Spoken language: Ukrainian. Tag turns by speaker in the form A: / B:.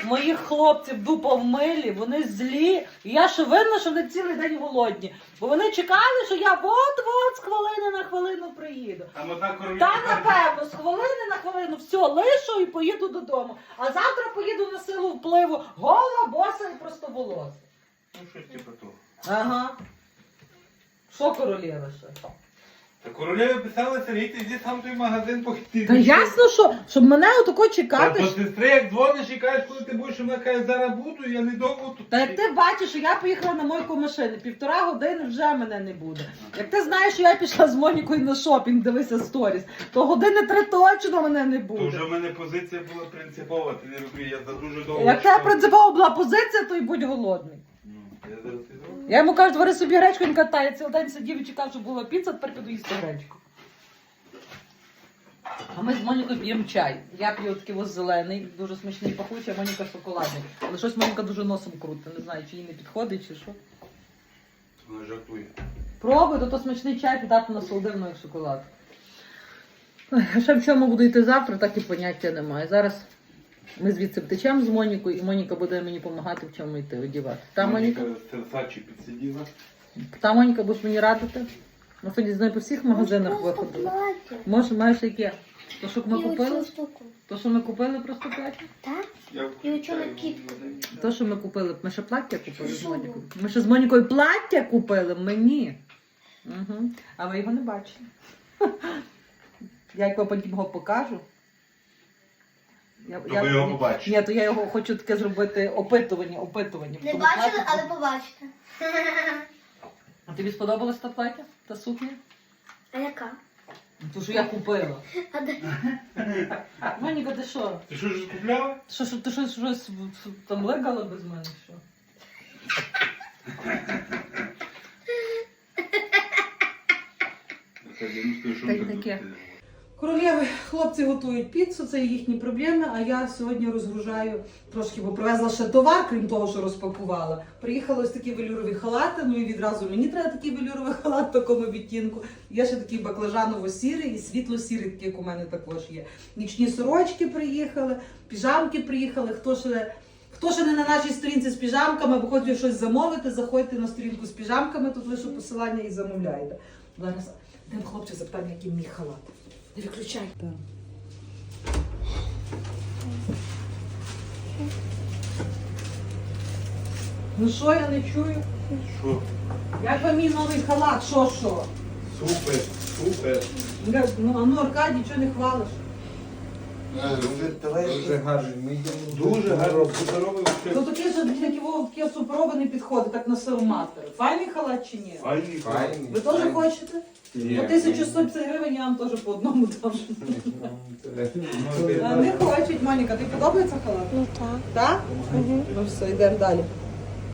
A: моїх хлопців дупа в милі, вони злі. І я ще винна, що вони цілий день голодні. Бо вони чекали, що я от-от з хвилини на хвилину приїду. Та напевно, з хвилини на хвилину все лишу і поїду додому. А завтра поїду на силу впливу гола, боса і простоволоса.
B: Ну щось типу того.
A: Ага. Що королева ще?
B: Та королеві писали, Сергій, ти йди сам той магазин похити.
A: Та ясно, що, щоб мене отако чекати.
B: Та до сестри, як дзвониш і кажеш, коли ти будеш, вона каже, зараз буду, я не довго тут.
A: Та як ти бачиш, що я поїхала на мойку машини, 1,5 години вже мене не буде. Як ти знаєш, що я пішла з Монікою на шопінг, дивися сторіс, то години 3 точно мене не
B: То
A: буде.
B: вже в мене позиція була принципова, ти не розумієш, я за дуже довго.
A: Як тебе принципова була позиція, то й будь голодний.
B: Ну, я зараз піду.
A: Я йому кажу, вари собі гречку, він катає, цілий день сидів і чекав, щоб була піца, тепер піду їсти гречку. А ми з Монікою п'ємо чай. Я п'ю такий ось зелений, дуже смачний пахучий, а Моніка шоколадний. Але щось Моніка дуже носом крутить, не знаю, чи їй не підходить, чи що.
B: Вона жартує.
A: Пробуй, то смачний чай піддати на солодивну як шоколад. Ой, а ще в чому буду йти завтра, так і поняття немає. Зараз ми звідси втечемо з Монікою, і Моніка буде мені допомагати в чому йти, одягати. Та Моніка?
B: з терсачі підсиділа.
A: Та Моніка, будеш мені радити? Ми сьогодні з нею по всіх магазинах виходили. Може, маєш яке? То, що ми купили? То, що ми купили, просто плаття?
C: Так?
B: Я
C: І оцього кітку.
A: То, що ми купили, ми ще плаття купили з Монікою. Ми ще з Монікою плаття купили, мені. Угу. А ви його не бачили. Я потім його покажу.
B: То ви його побачите.
A: Ні, то я його хочу таке зробити опитування.
C: Не
A: Тому
C: бачили,
A: плаття-
C: але побачите.
A: А тобі сподобалась та плаття? Та сукня?
C: А яка?
A: Ту, що я купила.
C: А де?
A: Моніка, ти що?
B: Ти що ж купляла?
A: Ти щось там легала без мене, що? Таке. Королєви, хлопці готують піцу, це їхні проблеми, а я сьогодні розгружаю трошки, бо привезла ще товар, крім того, що розпакувала. Приїхали ось такі велюрові халати, ну і відразу мені треба такий велюровий халат в такому відтінку. Є ще такий баклажаново-сірий і світло-сірий, такий, як у мене також є. Нічні сорочки приїхали, піжамки приїхали. Хто ще не на нашій сторінці з піжамками, або хоче щось замовити, заходьте на сторінку з піжамками, тут лише посилання і замовляйте. Зараз йдемо хлопця запитаємо, який мій халат. Не виключай. Ну що, я не чую?
B: Що?
A: Як вам мій новий халат? Що?
B: Супер, супер.
A: Ну, а ну, Аркадій, чого не хвалиш?
B: Дуже гарний. Ми йдемо дуже гарно. Суперовий
A: Ну такий же такі суперовий не підходить, так на силу мастер. Файний халат чи ні?
B: Файний.
A: Ви теж хочете?
B: Ні.
A: По 1150 гривень я вам теж по одному дам. Не хочуть, Моніка, тобі подобається халат?
C: Ну так.
A: Так? Ну все, йдемо далі.